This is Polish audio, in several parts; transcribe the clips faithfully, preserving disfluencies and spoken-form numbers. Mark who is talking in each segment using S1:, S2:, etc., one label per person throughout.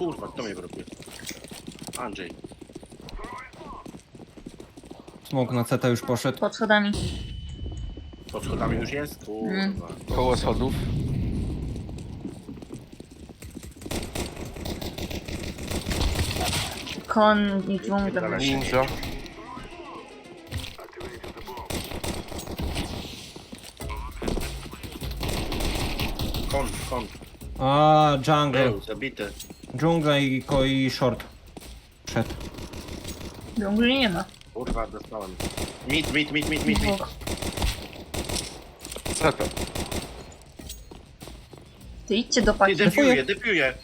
S1: Kurwa, kto mnie blokuje? Andrzej.
S2: Smok na C T już poszedł.
S3: Pod schodami.
S1: Pod schodami już jest? Kurwa.
S3: Mm.
S4: Koło schodów.
S3: Kon i dżungla.
S4: Ninja.
S1: Kon, kon.
S2: A, jungle.
S1: Był, zabity.
S2: Dżungla i, ko- i short. Przed.
S3: Dżungli nie ma.
S1: Kurwa, dostałem. Mit, mit, mit, mit, mit, mit.
S3: Dwóch.
S4: Zeta.
S3: Ty idźcie do
S1: Ty
S3: paki.
S1: defiuję, defiuję.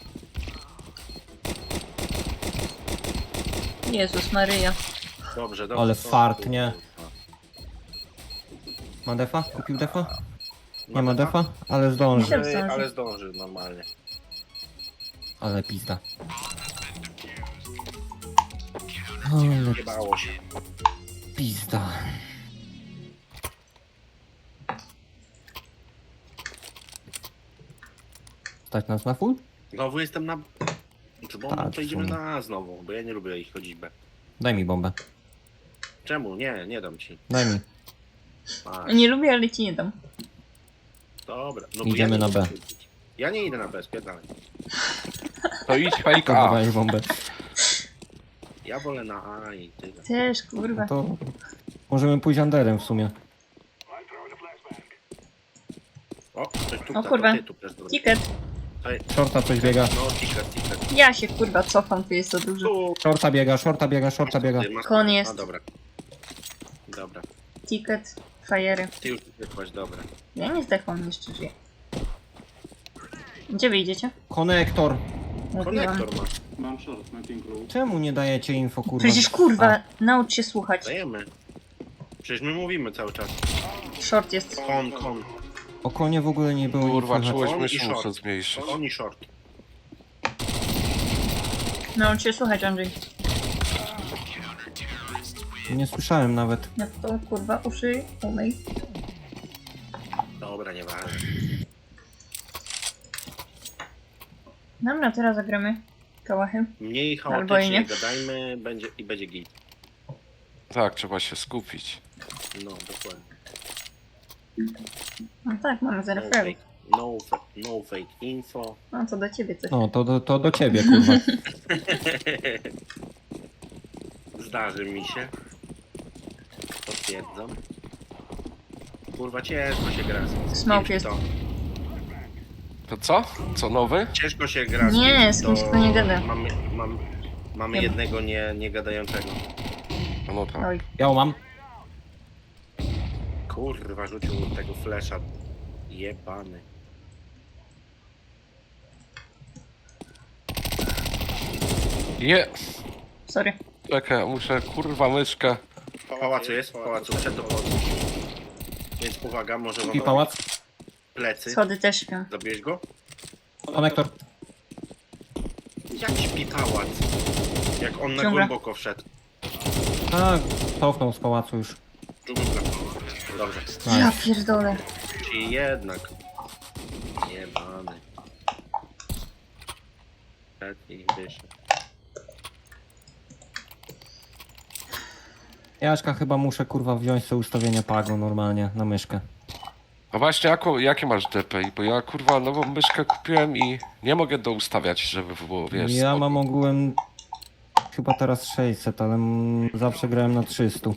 S3: Jezus Maryja.
S1: Dobrze, dobrze.
S2: Ale
S1: dobrze,
S2: fart,
S1: kurwa.
S2: nie? Ma defa? Kupił defa? Nie ma defa? Ale zdąży.
S3: Myślę-
S1: Ale,
S3: zdąży.
S1: ale zdąży normalnie.
S2: Ale pizda. Ale
S1: Nie bało się.
S2: pizda. Stać nas na full?
S1: Znowu jestem na... Czy bo
S2: Tak,
S1: to idziemy
S2: w sumie.
S1: na A znowu, bo ja nie lubię ich chodzić B.
S2: Daj mi bombę.
S1: Czemu? Nie, nie dam ci.
S2: Daj mi.
S1: A,
S3: Nie lubię, ale ci nie dam.
S1: dobra. No
S2: Idziemy
S1: ja nie
S2: na
S1: lubię
S2: B.
S1: chodzić. Ja nie idę na B, spierdalaj.
S4: To idź fake
S2: Kurwa,
S4: A.
S2: daj bombę.
S1: Ja wolę na A i tyle.
S3: Też, kurwa.
S2: No to możemy pójść underem w sumie.
S1: O, coś tu,
S3: O kurwa.
S1: Ty, tu też dobra.
S3: Ticket.
S1: Ej,
S2: Shorta coś biega.
S1: no, ticket, ticket.
S3: Ja się kurwa cofam, tu jest za dużo.
S1: Tu.
S2: Shorta biega, shorta biega, shorta biega.
S1: Ty, masz-
S3: Kon jest.
S1: A, dobra. Dobra.
S3: Ticket. Fajery.
S1: Ty już zdechłaś, dobra.
S3: Ja nie zdechłam, jeszcze żyję. Gdzie wy idziecie?
S2: Konektor.
S3: Mówiłam.
S1: Konektor ma.
S5: Mam short, mam pink roll.
S2: Czemu nie dajecie info, kurwa?
S3: Przecież kurwa, naucz się słuchać.
S1: Dajemy. Przecież my mówimy cały czas.
S3: Short jest.
S1: Kon, kon.
S2: A, o konie w ogóle nie było
S4: Kurwa,
S2: nic
S4: czułość
S1: On i
S4: myszy
S1: short.
S4: muszę zmniejszyć.
S1: Kon i short.
S3: Naucz się słuchać, Andrzej.
S2: Nie słyszałem nawet.
S3: No to kurwa uszy umyj.
S1: Dobra, nieważne.
S3: Dobra, teraz zagramy kałachy.
S1: Mniej
S3: Albo i
S1: chaotycznie
S3: nie.
S1: gadajmy będzie, i będzie git.
S4: Tak, trzeba się skupić.
S1: No, dokładnie.
S3: No tak, mamy
S1: No
S3: zero
S1: fake,
S3: fragów.
S1: no, fa no fake info.
S3: No co do ciebie coś.
S2: No, to, to, to do ciebie, kurwa.
S1: Zdarzy mi się. Potwierdzam. Kurwa, ciężko się gra z z
S3: Smoke
S1: kimś,
S3: jest.
S1: kto-
S4: To co? Co nowy?
S1: Ciężko się gra z
S3: Nie,
S1: kimś,
S3: z kimś, kto nie gada.
S1: Mamy, mam, mamy
S3: Nie.
S1: jednego nie, nie gadającego.
S4: No, no tak.
S3: Oj.
S2: Ja mam.
S1: Kurwa, rzucił tego flesza. Jebany.
S4: Je!
S3: Sorry.
S4: Czekaj, muszę kurwa myszkę.
S1: W pałacu jest, w pałacu, przed do pałacu. Więc uwaga, może
S2: I
S1: wam
S2: pałac.
S1: plecy.
S3: Schody też śpią.
S1: Zabiłeś go?
S2: Konektor.
S1: Jak śpi pałac? Jak on na
S3: Ciągle.
S1: głęboko wszedł.
S2: Tak, cofnął z pałacu już.
S1: Dżungla. Dobrze.
S3: Ja
S2: Nice.
S3: pierdolę.
S1: Czyli jednak. Jebany. Przed i wyszedł.
S2: Jaśka chyba muszę, kurwa, wziąć sobie ustawienie pago normalnie na myszkę.
S4: A właśnie, jaką, jakie masz D P I? Bo ja kurwa nową myszkę kupiłem i nie mogę doustawiać, żeby było, wiesz...
S2: Ja
S4: spoko.
S2: mam ogółem chyba teraz sześćset, ale mm, zawsze grałem na trzysta.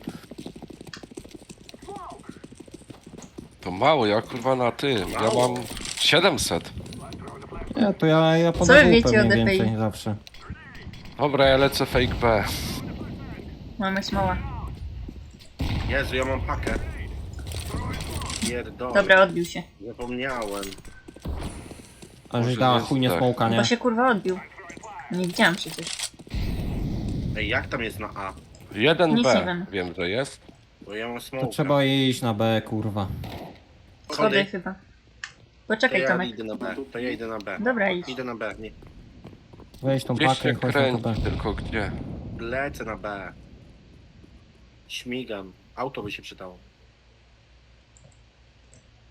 S4: To mało, ja kurwa na tym. Ja mam siedemset.
S2: Ja to ja, ja
S3: wy
S2: podaję
S3: wiecie o
S2: pewnie
S3: D P I?
S2: więcej zawsze.
S4: Dobra, ja lecę fake B.
S3: Mamy smoła.
S1: Jezu, ja mam pakę. Pierdolę.
S3: Dobra, odbił się.
S1: Zapomniałem.
S2: A
S4: Może
S2: że dała
S4: jest
S2: chuj nie
S4: tak.
S2: smołka, nie?
S3: Bo się kurwa odbił. Nie widziałam przecież.
S1: Ej, jak tam jest na A?
S4: jeden
S3: Nic nie
S4: B.
S3: wiem.
S4: Wiem, że jest.
S1: Bo ja mam smoka.
S2: To trzeba iść na B, kurwa.
S3: Schody
S1: Schody.
S3: chyba.
S1: To
S3: Poczekaj,
S1: ja
S3: Tomek.
S1: idę na B. To ja idę na B.
S3: Dobra, idź.
S1: Idę na B. Nie.
S2: Weź tą
S4: Gdzieś
S2: pakę
S4: się
S2: i chodź na to B.
S4: kręci, tylko gdzie?
S1: Lecę na B. Śmigam. Auto by się przydało.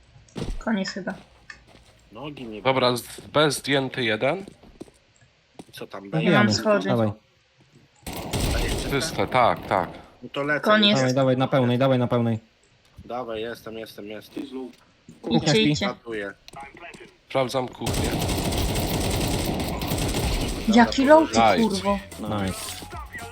S3: Koniec chyba.
S1: Nogi nie.
S4: Dobra, z- B zdjęty jeden.
S1: Co tam
S3: Ja
S1: będzie?
S3: mam
S2: Zabijamy.
S3: schody.
S2: Dawaj,
S4: Czyste, tak, tak.
S1: No to lecę.
S3: Koniec.
S2: dawaj, dawaj, na pełnej, dawaj na pełnej.
S1: Dawaj, jestem, jestem, jestem.
S3: Idźcie,
S2: śpi.
S3: idźcie.
S1: Matuję.
S4: Sprawdzam kuchnię.
S3: Jaki low ty,
S4: Nice.
S3: kurwo.
S2: Nice.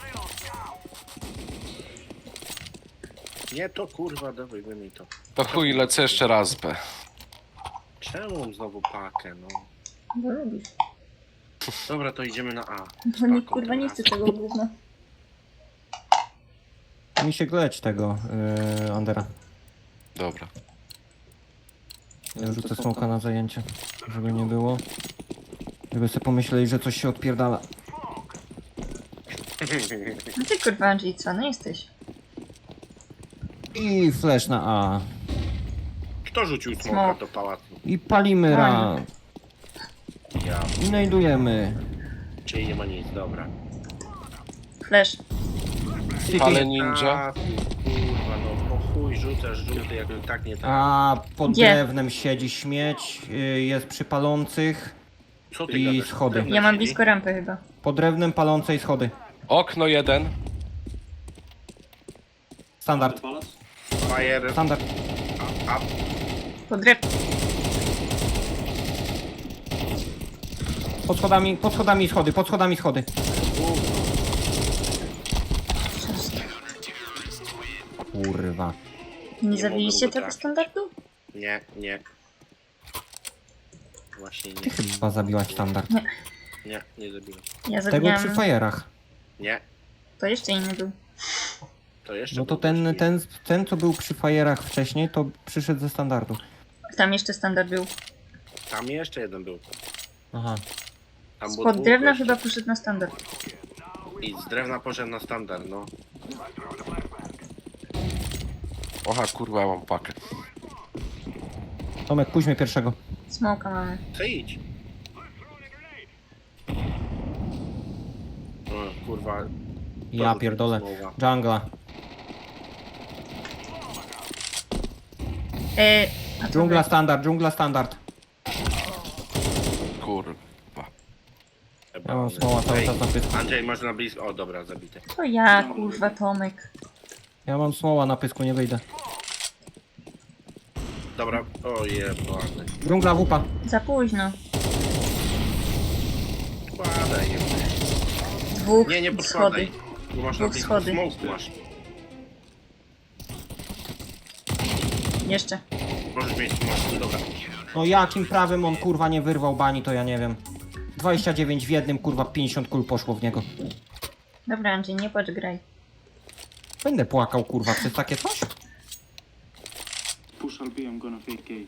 S1: Nie, to kurwa, dawaj, wyjmij to.
S4: To chuj, lecę jeszcze raz B.
S1: Czemu mam znowu pakę, no?
S3: Bo lubisz.
S1: Dobra, to idziemy na A.
S3: Bo nikt kurwa nie chce tego gówna.
S2: Mi się gleć tego, yy, Andera.
S4: Dobra.
S2: Ja rzucę smoka na zajęcie, żeby nie było. Żeby sobie pomyśleli, że coś się odpierdala.
S3: No ty kurwa Andrzej, co? No jesteś.
S2: I flash na A.
S1: Kto rzucił smoka
S3: Smok.
S1: do pałacu?
S2: I palimy ra.
S1: Ja.
S2: I znajdujemy.
S1: Czyli nie ma nic, dobra.
S3: Flash.
S4: Ale ninja.
S1: A, kurwa, no po chuj rzucasz żółty, jak i tak nie tak.
S2: A pod
S3: Gdzie?
S2: drewnem siedzi śmieć, yy, jest przy palących.
S1: Co ty
S2: i
S1: gadasz?
S2: schody.
S1: Drewno
S3: Ja mam
S1: siedzi?
S3: blisko rampy chyba.
S2: Pod drewnem palącej schody.
S4: Okno jeden.
S2: Standard,
S1: Fire,
S2: standard.
S1: a, a,
S3: Pod drep.
S2: Pod schodami, pod schodami schody, pod schodami schody. Kurwa.
S3: Nie
S1: Nie
S3: zabiliście
S1: mogę go
S3: tego
S1: trafić.
S3: standardu?
S1: nie, nie. Właśnie
S2: Ty
S1: nie,
S2: chyba zabiłaś standard.
S1: nie, nie zabiłem.
S3: Ja
S2: Tego
S3: zabijam.
S2: przy fajerach.
S1: Nie,
S3: To jeszcze inny był.
S1: to jeszcze
S2: No to
S1: był
S2: ten,
S1: taki-
S2: ten, ten co był przy fajerach wcześniej, to przyszedł ze standardu.
S3: Tam jeszcze standard był.
S1: Tam jeszcze jeden był.
S2: Aha.
S1: Tam było
S3: Spod
S1: dwóch
S3: drewna
S1: gości.
S3: chyba poszedł na standard.
S1: I z drewna poszedł na standard, no.
S4: Oha, kurwa, mam pakę.
S2: Tomek, pójdźmy pierwszego.
S3: Smoka mamy.
S1: Co idź? O, kurwa.
S2: Ja
S1: to
S2: pierdolę.
S1: słowa.
S2: Dżungla.
S3: E, a co
S2: Dżungla
S3: wy?
S2: standard, dżungla standard.
S4: Kurwa.
S2: Ja mam smoła cały
S1: Ej,
S2: czas na pysku.
S1: Andrzej, masz na blisko. O, dobra, zabity.
S3: To ja, kurwa, Tomek.
S2: Ja mam smoła na pysku, nie wyjdę.
S1: Dobra, o jebany.
S2: Dżungla wupa.
S3: Za późno.
S1: Składaj.
S3: Dwóch
S1: Nie, nie
S3: schody.
S1: podkładaj. Tu masz na
S3: Dwóch
S1: blisko.
S3: schody.
S1: Smoke masz.
S3: Jeszcze.
S1: Możesz mieć smoke, dobra.
S2: No jakim prawem on kurwa nie wyrwał bani, to ja nie wiem. dwadzieścia dziewięć w jednym, kurwa pięćdziesiąt kul poszło w niego.
S3: Dobra, Andrzej, nie płacz, graj.
S2: Będę płakał kurwa przez takie coś?
S5: Push R B, I'm gonna fake A.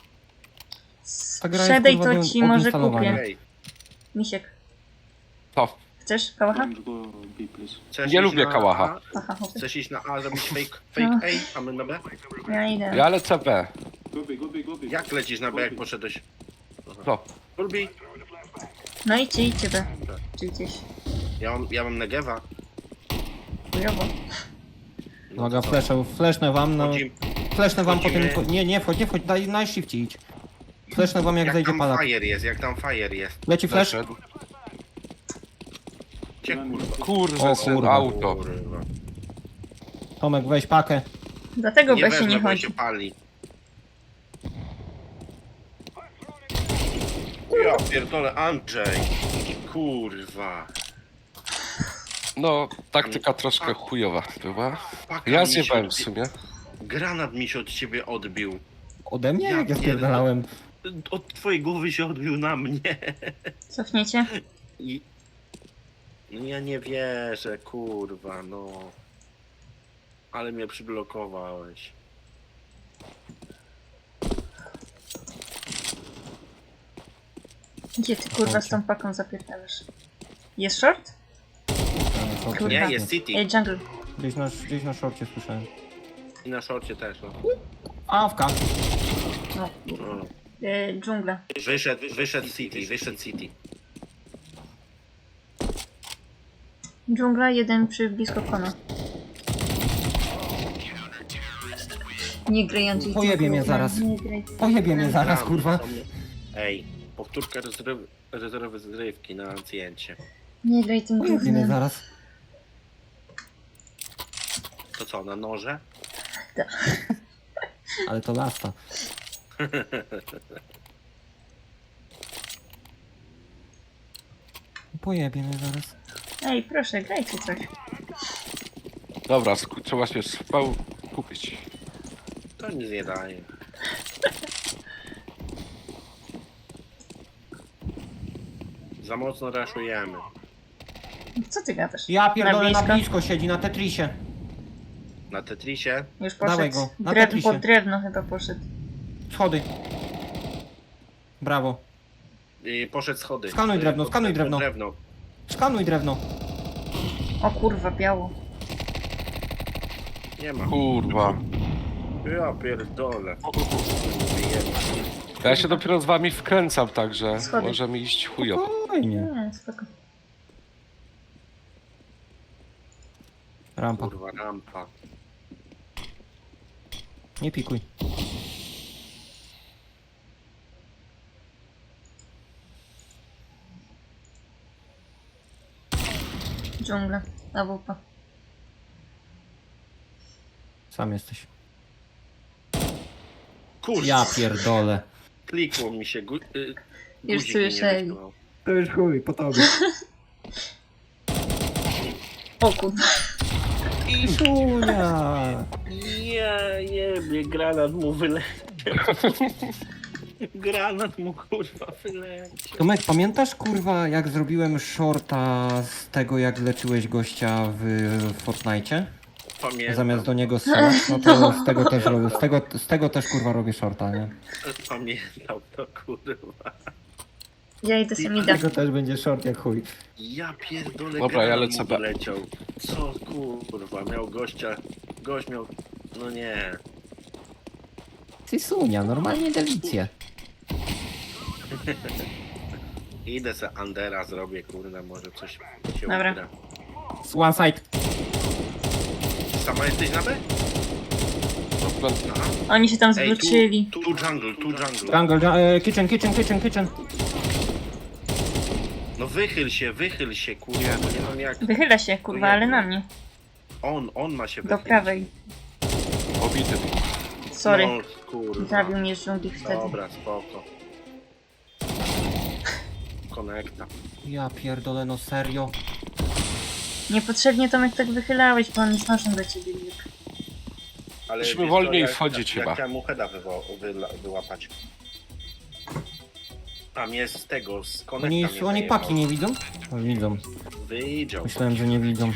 S2: Ta gra jest,
S3: Sprzedaj
S2: kurwa,
S3: to
S2: do
S3: ci może
S2: odinstalowania.
S3: kupię.
S1: Ej,
S3: Misiek,
S4: To.
S3: chcesz kałacha?
S5: Don't go B, please.
S1: chcesz
S4: Nie
S1: iść
S4: lubię
S1: na
S4: kałacha.
S1: A?
S3: Aha, chłopie.
S1: Chcesz iść na A, zrobić fake, fake A, a my na B?
S3: Ja idę.
S4: Ja lecę B.
S5: Go B, go B, go B.
S1: Jak lecisz na B, jak poszedłeś?
S4: No.
S1: Lubi?
S3: No idźcie, idźcie B. Czy gdzieś.
S1: Ja mam, ja mam Negewa.
S3: Chujowo.
S1: No
S2: Uwaga,
S1: to co?
S2: fleszę, fleszę wam, no.
S1: Chodzi-
S2: Fleszę wam po tym...
S1: Wchodzimy.
S2: po- Nie, nie wchodź, nie wchodź, daj najszybciej idź. Fleszę wam jak,
S1: Jak
S2: zejdzie
S1: tam
S2: palak.
S1: fire jest, jak tam fire jest.
S2: Leci flash?
S4: Zeszedł.
S1: Cię kurwa.
S4: Kurwa,
S2: O
S4: syn,
S2: kurwa.
S4: auto.
S1: Kurwa.
S2: Tomek, weź pakę.
S3: Dlatego
S1: Nie
S3: B się
S1: wezmę,
S3: nie
S1: bo
S3: chodzi.
S1: się pali. Ja pierdolę, Andrzej. Kurwa.
S4: No, taktyka troszkę chujowa była.
S1: Paka
S4: Ja
S1: mi się
S4: zjebałem w
S1: odbi-
S4: sumie.
S1: Granat mi się od ciebie odbił.
S2: Ode mnie?
S1: Ja
S2: Jak ja
S1: pierdolę.
S2: spierdalałem.
S1: Od twojej głowy się odbił na mnie.
S3: Cofniecie?
S1: I... No ja nie wierzę, kurwa, no. Ale mnie przyblokowałeś.
S3: Gdzie ty kurwa z tą paką zapierdalasz? Jest short? Kurwa.
S1: Nie, jest City.
S3: Ej, jungle.
S2: Gdzieś na, gdzieś na szorcie słyszałem.
S1: I na szorcie też, no.
S2: Awka.
S3: No.
S1: no.
S3: E, dżungla.
S1: Wyszedł, wyszedł City, wyszedł City.
S3: Dżungla, jeden przy blisko kona. Nie graj, Andrzej.
S2: Pojebie mnie zaraz.
S3: Nie graj.
S2: Pojebie mnie zaraz, kurwa.
S1: Ej, Powtórka rezerwy, rezerwy zrywki na zdjęcie.
S3: Nie graj tym
S2: Jedyny
S3: gównem.
S2: zaraz.
S1: To co, na noże?
S2: Ale to lasta. Pojebie mnie zaraz.
S3: Ej, proszę, grajcie coś.
S4: Dobra, sku- trzeba się spał kupić.
S1: To nic nie daje. Za mocno raszujemy.
S3: Co ty gadasz?
S2: Ja pierdolę na
S3: blisko?
S2: blisko siedzi, na Tetrisie.
S1: Na Tetrisie
S3: Już
S2: Dawaj
S3: poszedł.
S2: go, na
S3: Drew,
S2: Tetrisie.
S3: pod drewno chyba poszedł.
S2: Schody. Brawo.
S1: i poszedł schody.
S2: Skanuj
S1: Y,
S2: drewno,
S1: pod-
S2: skanuj
S1: pod
S2: drewno.
S1: drewno.
S2: Skanuj drewno.
S3: O kurwa, biało.
S1: Nie ma.
S4: Kurwa.
S1: Ja pierdolę.
S4: Ja się dopiero z wami wkręcam, także
S3: Schody.
S4: może mi iść chujowo.
S2: Spokojnie.
S3: Nie, spoko.
S2: Rampa.
S1: Kurwa, rampa.
S2: Nie pikuj.
S3: Dżungla. A W P.
S2: Sam jesteś.
S1: Kurwa,
S2: Ja pierdolę.
S1: klikło mi się. Gu y,
S3: Już
S1: guzik mi nie
S3: słyszeli.
S1: wytrzymał.
S2: To już chuj, po tobie.
S3: O kurwa.
S2: I szunia.
S1: Ja jebie, granat mu wyleciał. Granat mu kurwa wyleciał.
S2: Tomek, pamiętasz kurwa jak zrobiłem shorta z tego jak leczyłeś gościa w Fortnite?
S1: Pamiętam.
S2: Zamiast do niego strzelać, no to z tego też robię, z tego, z tego też kurwa robię shorta, nie?
S1: Pamiętam to kurwa.
S3: Ja idę sobie
S2: Z
S3: mida.
S2: tego też będzie short jak chuj.
S1: Ja pierdolę,
S4: Dobra, ja
S1: granat
S4: lecę
S1: mu
S4: B.
S1: wyleciał. Co kurwa, miał gościa. Gość miał. No nie.
S2: Ty sunia, normalnie delicję.
S1: Idę se Andera zrobię, kurde, może coś się
S3: Dobra.
S1: ugra.
S2: Z one side.
S1: Sama jesteś na B?
S4: Dobra,
S1: Aha.
S3: Oni się tam
S1: Ej, tu,
S3: zwrócili.
S1: tu jungle, tu jungle.
S2: Jungle, e, kitchen, kitchen, kitchen, kitchen.
S1: No wychyl się, wychyl się, kurwa, bo nie mam jak.
S3: Wychyla się, kurwa, ale na mnie.
S1: On, on ma się
S3: Do
S1: wychylić.
S3: prawej.
S4: obity.
S3: Sorry.
S1: No, kurwa.
S3: Zabił mnie z dżungli wtedy.
S1: Dobra, spoko. Konekta.
S2: Ja pierdolę, no serio.
S3: Niepotrzebnie Tomek tak wychylałeś, bo on jest noszem do ciebie. Wilk.
S1: Ale
S4: Musimy
S1: wiesz
S4: wolniej
S1: co, ja-
S4: wchodzić
S1: ja,
S4: chyba.
S1: Ja chciałem mu heada wywo- wyla- wyłapać. A mnie z tego, z konekta
S2: Oni,
S1: mnie
S2: oni
S1: zajebał.
S2: paki nie widzą? O, widzą.
S1: Wyjdział.
S2: Myślałem, że nie widzą.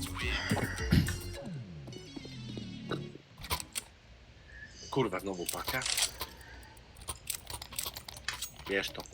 S1: Kurwa, znowu paka. Wiesz to.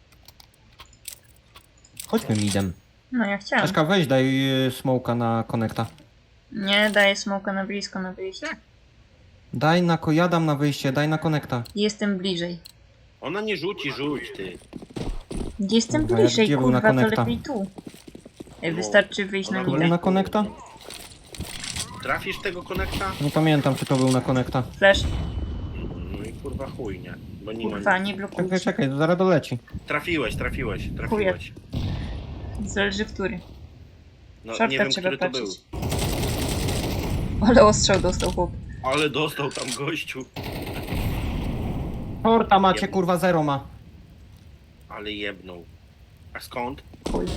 S2: Chodźmy midem.
S3: No ja chciałam.
S2: Czaszka, weź daj y, smoka na konekta.
S3: Nie, daję smoka na blisko, na wyjście.
S2: Daj na ko, ja dam na wyjście, daj na konekta.
S3: Jestem bliżej.
S1: Ona nie rzuci, rzuć ty.
S3: Jestem
S2: Kurwa, jak
S3: bliżej,
S2: gdzie był na
S3: kurwa, to
S2: konekta?
S3: lepiej tu. Ej, wystarczy wyjść na
S1: Ona
S2: Był
S3: midę.
S2: na konekta?
S1: Trafisz tego konekta?
S2: Nie pamiętam, czy to był na konekta.
S3: Flash.
S1: No i kurwa chuj, nie. Bo nie
S3: Kurwa,
S1: ma.
S3: nie
S2: Czekaj,
S3: blokuj.
S2: czekaj, to zaraz doleci.
S1: Trafiłeś, trafiłeś, trafiłeś.
S3: Zależy który.
S1: No
S3: Shorta
S1: nie wiem,
S3: trzeba
S1: który to był.
S3: patrzeć. Ale ostrzał dostał chłop.
S1: Ale dostał tam gościu.
S2: Shorta macie, kurwa, zero ma.
S1: Ale jebnął. A skąd?
S3: Chuj.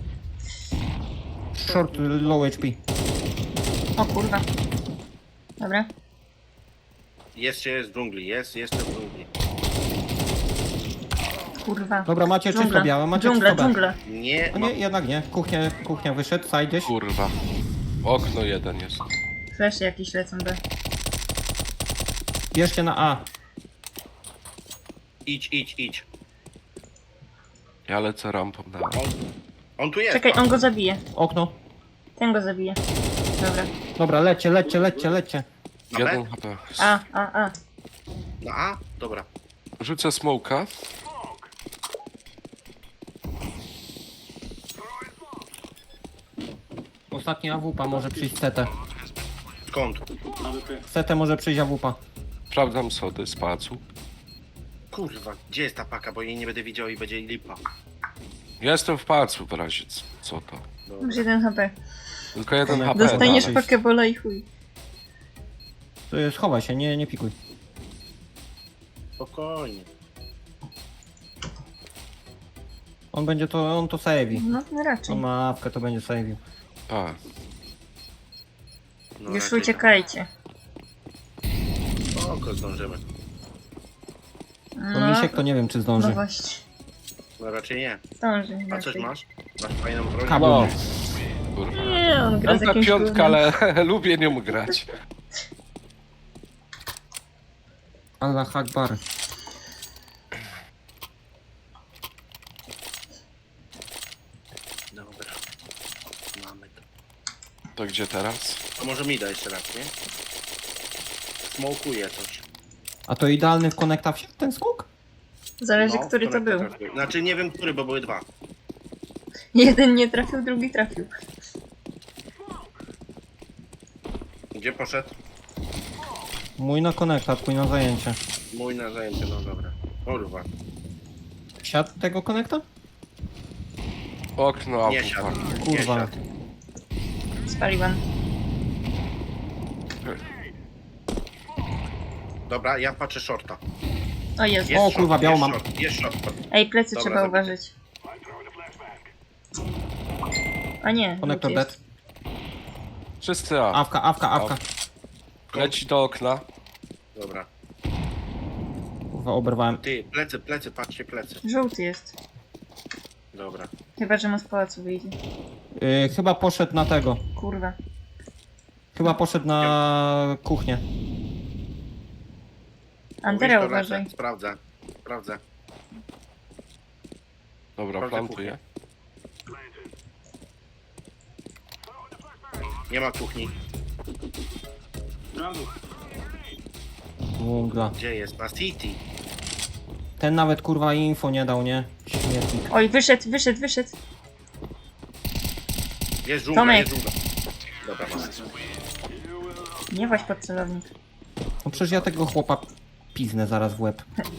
S2: Short, y, low H P.
S3: O kurwa. Dobra.
S1: Jest, jest w dżungli, jest, jeszcze w dżungli.
S3: Kurwa.
S2: Dobra, macie czysto
S3: Dżungla,
S2: białe, macie
S3: dżungla,
S2: czysto B.
S3: dżungla.
S1: Nie,
S2: O
S1: ma...
S2: nie, jednak nie. Kuchnia, kuchnia wyszedł, side gdzieś.
S4: Kurwa. Okno jeden jest.
S3: Flash jakieś lecą B.
S2: Bierzcie na A.
S1: idź, idź, idź.
S4: Ja lecę rampą na...
S1: On, on tu jest.
S3: Czekaj, on go zabije.
S2: Okno.
S3: Ten go zabije. Dobra.
S2: Dobra, lećcie, lećcie, lećcie, lećcie.
S1: Na B?
S4: Jeden H P.
S3: A, a, a.
S1: Na A? Dobra.
S4: Rzucę smoka.
S2: Ostatni A W P może przyjść C T.
S1: Skąd?
S5: A W P.
S2: C T może przyjść A W P.
S4: Sprawdzam sody z pacu.
S1: Kurwa, gdzie jest ta paka, bo jej nie będę widział i będzie lipa.
S4: Ja jestem w pałacu w razie, c- co to?
S1: Dobra.
S3: Masz jeden H P.
S4: Tylko jeden
S2: Dostaniesz-
S4: H P.
S3: Dostaniesz
S4: dalej.
S3: pokebola i chuj.
S2: To jest, schowaj się, nie, nie pikuj.
S1: Spokojnie.
S2: On będzie to, on to save'i.
S3: No, no raczej.
S2: On ma awkę, to będzie save'ił.
S4: A,
S1: No,
S3: Już
S1: raczej
S3: uciekajcie.
S1: tak. Oko zdążymy.
S2: No
S3: No,
S2: misiek to nie wiem, czy
S3: no
S2: zdąży.
S3: właśnie.
S1: No raczej nie.
S3: Zdąży.
S1: A coś
S3: raczej.
S1: masz? Masz fajną broń?
S2: Kabel.
S4: no. Kurwa.
S3: Nie, on gra z
S4: Mam
S3: jakimś
S4: piątka,
S3: gównem.
S4: ale lubię nią grać.
S2: Allah Akbar.
S1: Dobra. Mamy to.
S4: To gdzie teraz?
S1: A może mi da jeszcze raz, nie? Smokuje coś.
S2: A to idealny w konekta wsiadł ten skok?
S3: Zależy,
S1: No,
S3: który to
S1: konektor
S3: był.
S1: trafił. Znaczy nie wiem który, bo były dwa.
S3: Jeden nie trafił, drugi trafił.
S1: Gdzie poszedł?
S2: Mój na konekta, twój na zajęcie.
S1: Mój na zajęcie, no dobra. Kurwa.
S2: Wsiadł tego konekta?
S4: Okno,
S1: Nie
S4: auto.
S1: siadł.
S4: fuck.
S1: Nie
S2: Kurwa.
S1: siadł.
S3: Spaliłam.
S1: Dobra, ja patrzę shorta.
S3: O Jezu.
S1: Jest
S2: O,
S1: short,
S2: kurwa, białą
S1: jest
S2: mam.
S1: Short, jest short.
S3: Ej, plecy
S1: Dobra,
S3: trzeba
S1: zabity.
S3: uważać. A nie,
S2: Konektor
S3: lód
S2: dead.
S3: jest.
S4: Wszyscy A.
S2: Awka, awka, awka.
S4: Leci do okna.
S1: Dobra.
S2: Kurwa, oberwałem.
S1: Ty, plecy, plecy, patrzcie plecy.
S3: Żółty jest.
S1: Dobra.
S3: Chyba, że mu z pałacu wyjdzie.
S2: Yy, chyba poszedł na tego.
S3: Kurwa.
S2: Chyba poszedł na kuchnię.
S3: Antera
S1: Mówisz, to lecę.
S3: uważaj.
S1: Sprawdzę. Sprawdzę.
S4: Dobra,
S1: Sprawdzę
S4: plantuję.
S1: Nie ma kuchni.
S5: Brawo.
S2: Dżungla.
S1: Gdzie jest? Na City.
S2: Ten nawet kurwa info nie dał, nie? Śmietnik.
S3: Oj, wyszedł, wyszedł, wyszedł.
S1: Jest dżungla,
S3: Tomek.
S1: jest dżungla. Dobra, mamy.
S3: Nie właź pod celownik.
S2: No przecież ja tego chłopa piznę zaraz w łeb.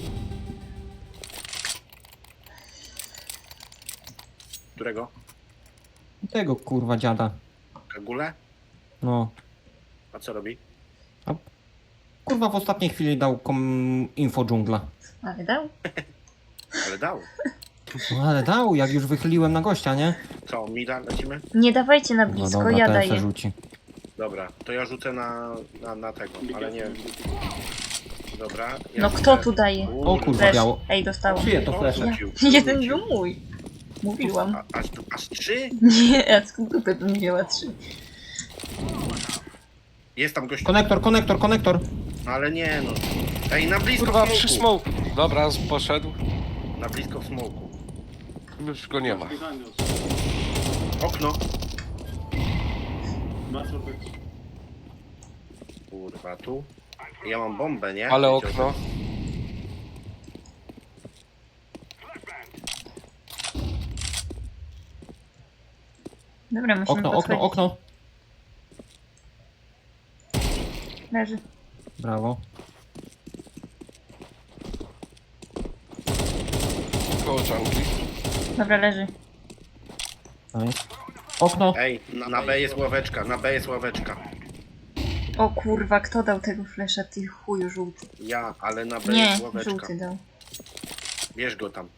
S1: Którego?
S2: Tego kurwa dziada.
S1: Kagule?
S2: No.
S1: A co robi?
S2: Kurwa w ostatniej chwili dał kom info dżungla.
S3: Ale dał?
S1: Ale dał.
S2: No ale dał, jak już wychyliłem na gościa, nie?
S1: Co, mida lecimy?
S3: Nie dawajcie na
S2: No
S3: blisko,
S2: dobra,
S3: ja
S2: ten se
S3: daję.
S2: rzuci.
S1: Dobra, to ja rzucę na, na, na tego, ale nie wiem. Dobra. Ja
S3: No
S1: rzucę-
S3: kto tu daje?
S2: O kurwa,
S3: Flash.
S2: biało.
S3: Ej, dostałam.
S2: Czyje to flesze?
S3: Ja.
S1: Rzucił,
S3: Jeden
S1: rzucił.
S3: był mój. Mówiłam.
S1: A, aż, tu- aż trzy?
S3: Nie, a skąd dupę bym wzięła trzy?
S1: Jest tam gościu.
S2: Konektor, konektor, konektor.
S1: No ale nie no. Ej, na blisko
S4: Kurwa,
S1: w
S4: przy
S1: smoku.
S4: smoke. Dobra, z- poszedł.
S1: Na blisko w smoku.
S4: Już go nie ma.
S5: Behind us.
S1: Okno.
S5: Battle box.
S1: Kurwa, tu. Ja mam bombę, nie?
S4: Ale
S1: Wiecie o
S4: okno.
S3: Dobra, musimy
S2: Okno, okno,
S3: podchodzić.
S2: okno.
S3: Leży.
S2: Brawo.
S4: Koło dżungli.
S3: Dobra, leży.
S2: Nice. Okno.
S1: Ej, na, na B jest ławeczka, na B jest ławeczka.
S3: O kurwa, kto dał tego flesza, ty chuju żółty?
S1: Ja, ale na B
S3: Nie,
S1: jest ławeczka.
S3: żółty dał.
S1: Bierz go tam.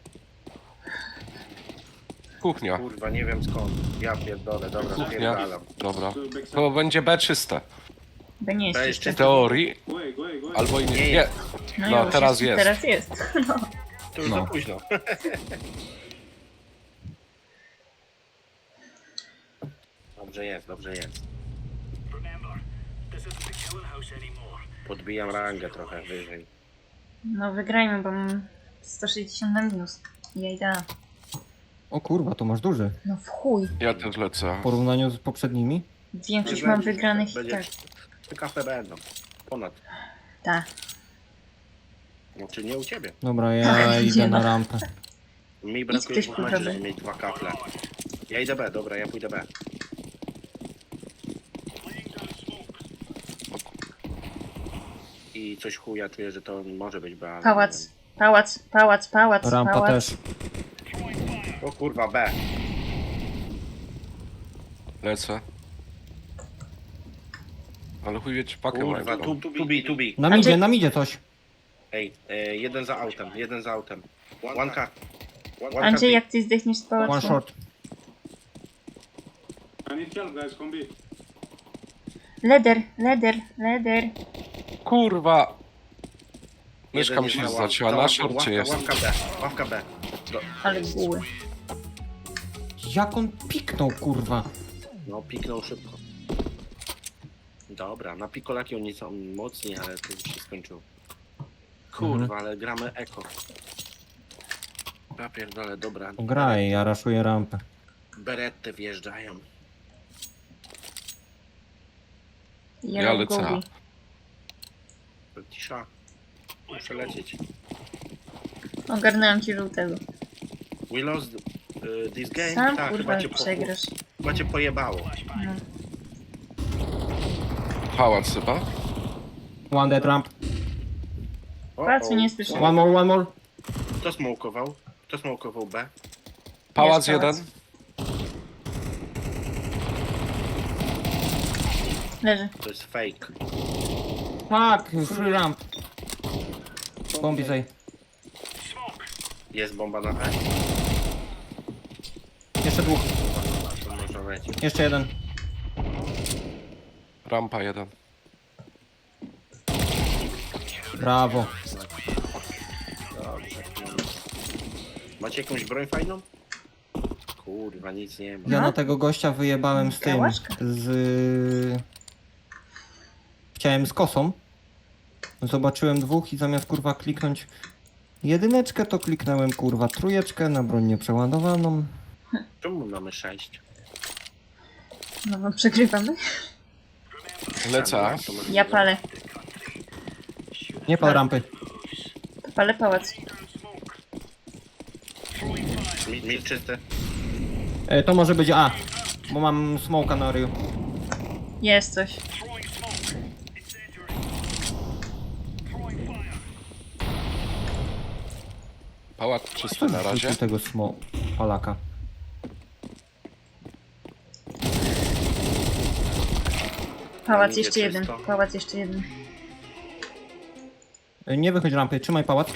S4: Kuchnia.
S1: Kurwa, nie wiem skąd. Ja pierdolę, dobra,
S4: Kuchnia.
S1: spierdalam.
S4: Dobra.
S5: So backside.
S4: To będzie B czyste.
S3: Bo nie jest
S1: Weź
S3: jeszcze.
S4: W teorii.
S5: Go away, go away, go away.
S4: Albo i nie.
S1: Nie
S4: Nie.
S1: jest.
S4: No,
S3: już
S4: teraz jest.
S3: Teraz jest. No.
S1: To już
S2: No.
S1: za późno. Dobrze jest, dobrze jest. Podbijam rangę trochę wyżej.
S3: no wygrajmy, bo mam sto sześćdziesiąt na minus. Ja idę.
S2: O kurwa, to masz duży.
S3: No w chuj.
S4: Ja też lecę.
S2: W porównaniu z poprzednimi.
S3: Większość
S1: Będzie-
S3: mam wygranych i
S1: będzie-
S3: tak.
S1: Te kafe będą. Ponad.
S3: Ta.
S1: Znaczy nie u ciebie.
S2: Dobra, ja
S3: Tak,
S2: idę
S3: nie
S2: na
S3: ma.
S2: rampę.
S1: Mi brakuje
S3: ktoś
S1: dwóch meczy,
S3: kurwa
S1: żeby mieć dwa kafle. Ja idę B, dobra, ja pójdę B. I coś chuja czuję, że to może być B, ale
S3: Pałac.
S1: nie wiem.
S3: Pałac, pałac, pałac,
S2: Rampa
S3: pałac.
S2: też.
S1: O kurwa, B.
S4: Lecę. Ale chuj wie, czy pakę
S1: Kurwa,
S4: mają.
S1: tu, tu, tu bi, tu bi.
S2: Na
S3: A
S2: midzie,
S3: gdzie-
S2: na midzie coś.
S1: Ej, e, jeden za autem, jeden za autem. One car. One car
S3: Andrzej,
S1: B.
S3: jak ty zdechniesz z
S2: One
S3: pałacu?
S2: short.
S5: I need help, guys. Come B.
S3: Leder, leder, leder.
S4: Kurwa!
S1: Jeden
S4: Myszka mi
S1: jest
S4: się
S1: za ław-
S4: zacięła,
S1: za
S4: na
S1: ławką,
S4: szorcie
S1: ławka,
S4: jest.
S1: Ławka B, ławka B. Do,
S3: Ale buły.
S2: Jak on piknął, kurwa.
S1: no, piknął szybko. Dobra, na pikolaki oni są mocni, ale to już się skończyło. Kurwa,
S2: Mhm.
S1: ale gramy eko. Ja pierdolę, dobra.
S2: Graj, ja raszuję rampę.
S1: Berety wjeżdżają.
S4: Ja
S3: Yellow
S4: lecę.
S3: gobi.
S1: Cisza. Muszę lecieć.
S3: Ogarnęłam ci żółtego.
S1: We lost uh, this game.
S3: Sam
S1: tak,
S3: kurwa
S1: chyba cię, po,
S3: przegrasz.
S1: chyba cię pojebało.
S3: No.
S4: Pałac chyba.
S2: One dead ramp.
S1: O,
S3: Pałacu
S1: o.
S3: nie słyszę.
S2: One more, one more.
S1: Kto smokował? Kto smokował B?
S4: Pałac
S3: Jest pałac.
S4: jeden.
S3: Leży.
S1: To jest fake.
S2: Fuck, free ramp. Bombi zaj.
S1: Jest bomba na E?
S2: Jeszcze dwóch.
S1: To można lecieć.
S2: Jeszcze jeden.
S4: Rampa jeden.
S2: Brawo.
S1: Dobrze. Macie jakąś broń fajną? Kurwa, nic nie ma.
S2: Ja
S3: No.
S2: na tego gościa wyjebałem z tym.
S3: Kałaszka.
S2: Z... Chciałem z kosą. Zobaczyłem dwóch i zamiast kurwa kliknąć jedyneczkę, to kliknąłem kurwa trójeczkę na broń nieprzeładowaną.
S1: Czemu mamy sześć?
S3: No bo przegrywamy.
S4: Lecę A.
S1: To może-
S3: Ja palę.
S2: Nie pal rampy.
S3: To palę pałac.
S1: Mid, mid czysty.
S2: E, to może być A. Bo mam smoka na ryju.
S3: Jest coś.
S4: Pałac czysty na razie.
S2: Wrzucił tego smo... Polaka.
S3: Pałac
S1: Idzie
S3: jeszcze jeden.
S1: czysto.
S3: Pałac jeszcze jeden.
S2: E, nie wychodź rampy, trzymaj pałac.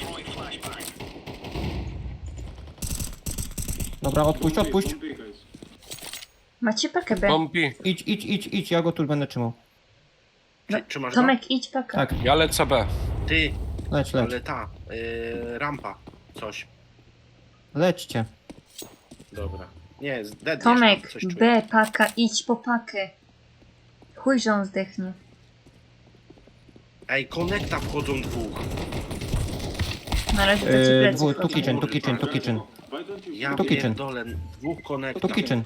S2: Dobra, odpuść, odpuść.
S5: Come B, guys.
S3: Macie pakę B.
S4: Bombi.
S2: Idź, idź, idź, idź, ja go tu będę trzymał.
S1: Czy, czy masz go?
S3: Tomek, idź pakę.
S2: Tak,
S4: Ja lecę B.
S1: Ty,
S2: leć, leć.
S1: ale ta, y, rampa, coś.
S2: Lećcie.
S1: Dobra. Nie, z dead
S3: Tomek,
S1: jeszcze, coś czuję.
S3: B, paka, idź po pakę. Chuj, że on zdechnie.
S1: Ej, konekta wchodzą dwóch.
S3: Na razie to ci
S2: E,
S3: plecy
S2: dwóch, tu
S3: wchodzą.
S2: kitchen, tu kitchen, tu kitchen.
S5: Why don't you
S1: Ja
S2: To kitchen.
S1: pierdolę, dwóch konekta.
S2: Tu kitchen.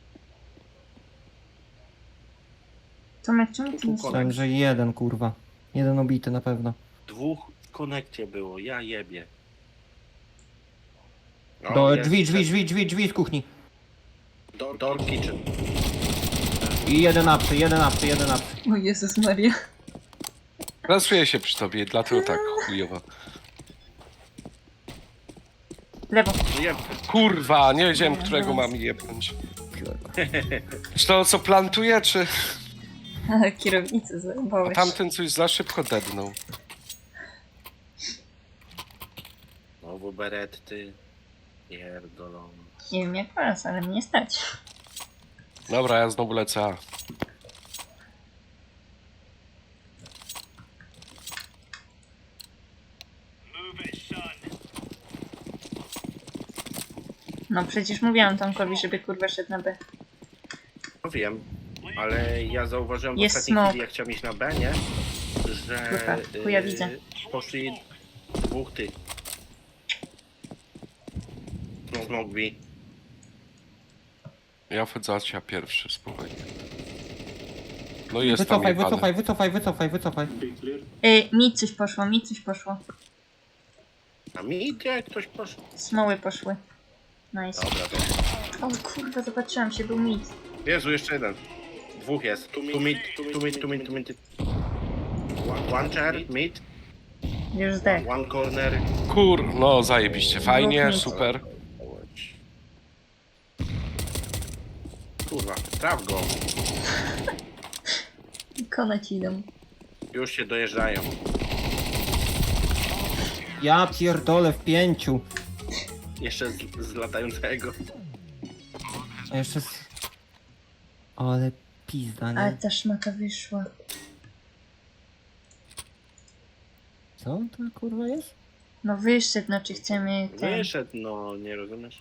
S3: Tomek, czemu ty
S1: Tu
S3: nie
S1: kolek.
S2: Myślałem, że jeden kurwa. Jeden obity na pewno.
S1: Dwóch w konekcie było, ja jebie. No,
S2: Do
S1: jest,
S2: drzwi, drzwi,
S1: jest.
S2: drzwi, drzwi, drzwi z kuchni.
S1: Door, door kitchen.
S2: I jeden apsy, jeden apsy, jeden apsy.
S3: O Jezus Maria.
S4: Rasuję się przy tobie, dlatego tak chujowo.
S3: Lewo.
S1: Jeb.
S4: Kurwa, nie wiedziałem, którego mam jebnąć. Czy to co plantuje, czy...
S3: Kierownicę
S4: A
S3: zajebałeś.
S4: tamten coś za szybko dednął.
S1: Znowu beretty. Pierdolą.
S3: Nie wiem jak was, ale mnie stać.
S4: Dobra, ja znowu lecę A.
S3: No przecież mówiłam Tomkowi, żeby kurwa szedł na B.
S1: No wiem, ale ja zauważyłem w
S3: Jest
S1: ostatniej
S3: smok.
S1: chwili, jak chciałem iść na B, nie? Że
S3: Kurwa, chuja widzę.
S1: poszli dwóch tych. No, smok B.
S4: Ja wchodzę A pierwszy, spokojnie. No jest tam
S2: Wycofaj,
S4: jebany.
S2: wycofaj, wycofaj, wycofaj, wycofaj.
S5: B clear?
S3: Ej, mi coś poszło, mi coś poszło.
S1: A mi gdzie ktoś poszedł?
S3: Smoły poszły. Nice.
S1: Dobra, to.
S3: O kurwa, zobaczyłam się, był mit.
S1: Jezu, jeszcze jeden. Dwóch jest. Tu mid, tu mid, tu mid, tu mid. One, one chair, mid.
S3: Już zdech.
S1: One corner.
S4: Kur, no zajebiście, fajnie,
S3: Dwóch nic.
S4: super.
S1: Kurwa, traf go.
S3: Kona ci idą.
S1: Już się dojeżdżają.
S2: Ja pierdolę w pięciu.
S1: Jeszcze z, z latającego.
S2: A jeszcze z... Ale pizda,
S3: Ale
S2: nie?
S3: ta szmata wyszła.
S2: Co to kurwa jest?
S3: No wyszedł, znaczy chcemy ten...
S1: Wyszedł, no nie rozumiesz?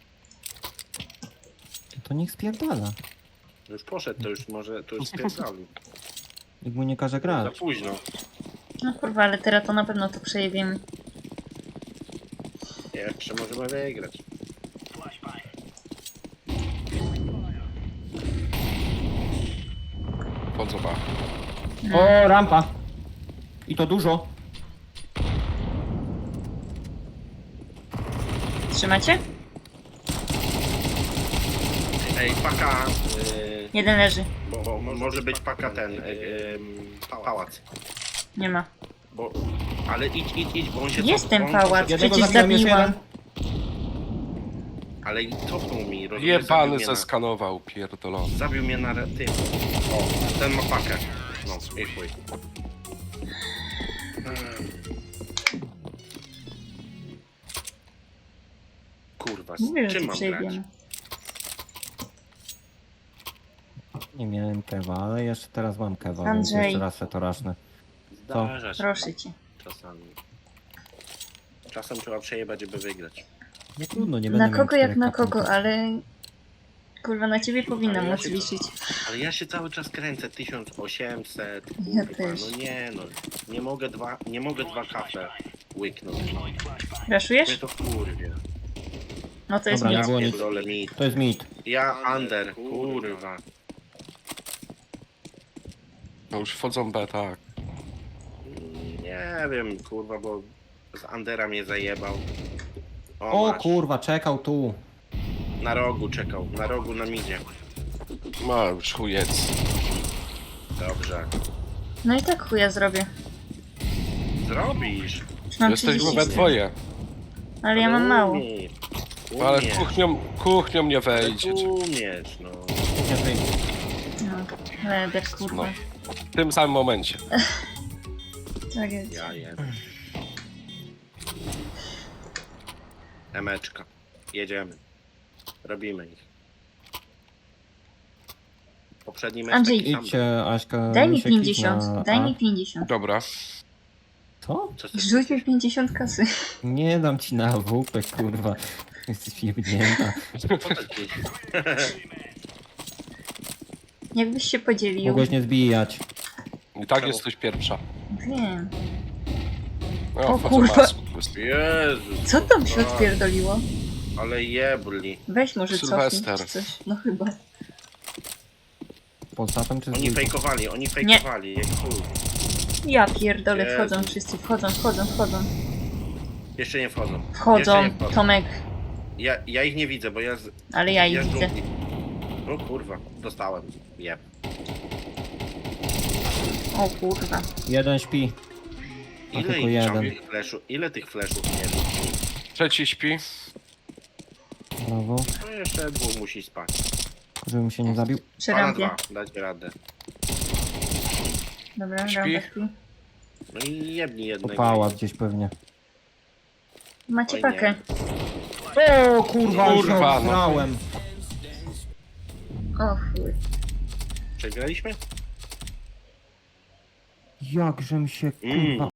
S2: To niech spierdala.
S1: Już poszedł, to już może, to już spierdolił.
S2: Nikt mu nie każe
S1: Za
S2: grać.
S1: późno.
S3: No kurwa, ale teraz to na pewno to przejebiemy.
S1: Jeszcze możemy wygrać.
S4: Wchodzą ba.
S2: O, rampa. I to dużo.
S3: Trzymacie?
S1: Ej, paka... Yy,
S3: Jeden leży.
S1: bo, bo może być paka ten... Yy, yy, pałac.
S3: Nie ma.
S1: Bo... Ale idź, idź, idź, bo on się...
S3: Jest
S1: cof-
S3: ten
S1: on
S3: pałac.
S1: poszedł-
S2: Jednego
S3: Przecież
S2: zabiłem, jeszcze
S3: zabiłam.
S2: jeden.
S1: Ale i cofnął mi, rozumiesz?
S4: Jebany
S1: Zabił mnie na-
S4: zeskanował, pierdolony.
S1: Zabił mnie na re- tym. O, ten ma pakę. No, i chuj. Kurwa, z
S3: Mówię, że
S1: czym
S3: to
S1: mam grać?
S3: przejebiemy.
S2: Nie miałem kewa, ale jeszcze teraz mam kewa, więc
S3: Andrzej.
S2: jeszcze raz se to rasznę. Co?
S1: Zdarza się
S3: Proszę cię.
S1: czasami. Czasem trzeba przejebać, żeby wygrać.
S2: Nie trudno, nie będę
S3: Na
S2: miał
S3: kogo jak
S2: czterech
S3: na
S2: kapników.
S3: kogo, ale... Kurwa, na ciebie powinnam
S1: Ale ja
S3: móc
S1: się-
S3: liczyć.
S1: Ale ja się cały czas kręcę tysiąc osiemset,
S3: Ja
S1: kurwa,
S3: też.
S1: no nie no. Nie mogę dwa, nie mogę dwa kafe łyknąć. No. Mnie
S3: Raszujesz?
S1: to kurwie.
S3: No to jest
S2: Dobra,
S3: nic.
S2: nie było nic.
S1: Pierdolę mi.
S2: To jest mit.
S1: Ja under, kurwa.
S4: No już wchodzą B, tak.
S1: Nie wiem, kurwa, bo z Andera mnie zajebał.
S2: O
S1: masz.
S2: kurwa, czekał tu.
S1: Na rogu czekał, na rogu na midzie.
S4: Ma już chujec.
S1: Dobrze.
S3: No i tak chuja zrobię.
S1: Zrobisz.
S3: Już mam
S4: Jesteśmy
S3: trzydzieści
S4: we
S3: cztery.
S4: dwoje.
S3: Ale ja mam mało.
S1: Umiej.
S4: Ale
S1: Umiesz.
S4: kuchnią, kuchnią nie
S1: Ale
S4: wejdzie.
S1: Umiesz, no.
S2: Nie wyjdzie.
S3: No, leber, kurwa.
S4: No. W tym samym momencie.
S3: Tak jest.
S1: Ja jem. Emeczka. Jedziemy. Robimy ich. Poprzedni mecz
S3: Andrzej,
S1: taki sam był.
S2: Idźcie, Aśka.
S3: Daj mi
S2: się kliknę
S3: pięćdziesiąt, daj
S2: A.
S3: mi pięćdziesiąt.
S4: Dobra.
S2: Co?
S1: Co ty-
S3: Rzuć mi pięćdziesiąt kasy.
S2: Nie dam ci na W P, kurwa. Jesteś jebnięta.
S1: co taki?
S3: Jakbyś się podzielił.
S2: Mogłeś nie zbijać.
S4: I tak
S1: Czemu?
S4: jesteś pierwsza.
S3: Wiem.
S4: No,
S3: O
S4: wchodzą
S3: kurwa.
S4: masku.
S1: Jezus.
S3: Co tam się
S1: tak,
S3: odpierdoliło?
S1: Ale jebli.
S3: Weź może cofnij
S4: Sylwester.
S3: czy coś. No chyba.
S2: Poza tym czy
S1: Oni
S2: z
S1: fejkowali, oni fejkowali. Jak chuj.
S3: Ja pierdolę,
S1: Jezu.
S3: wchodzą wszyscy, wchodzą, wchodzą, wchodzą.
S1: Jeszcze nie wchodzą. Jeszcze
S3: Wchodzą,
S1: nie wchodzą.
S3: Tomek.
S1: Ja, ja ich nie widzę, bo ja z...
S3: Ale ja ich
S1: ja z
S3: widzę.
S1: dżungli. O kurwa, dostałem. Jeb.
S3: O kurwa.
S2: Jeden śpi. A
S1: Ile
S2: tylko
S1: ich
S2: jeden.
S1: tych fleszu, ile tych fleszów mieli?
S4: Trzeci śpi.
S2: Brawo.
S1: No jeszcze dwóch musi spać.
S2: Żebym się nie zabił.
S3: Przy
S1: Dwa na
S3: rampie.
S1: dwa, dać radę.
S3: Dobra,
S4: Śpi.
S3: rampa śpi.
S1: No i jebni
S2: To
S1: jednego.
S2: pałac gdzieś pewnie.
S3: Macie
S1: Oj,
S3: pakę.
S2: O kurwa, już
S4: Kurwa, no.
S2: obsrałem.
S3: O chuj.
S1: Przegraliśmy?
S2: Jakżem się
S1: Mm.
S2: kurwa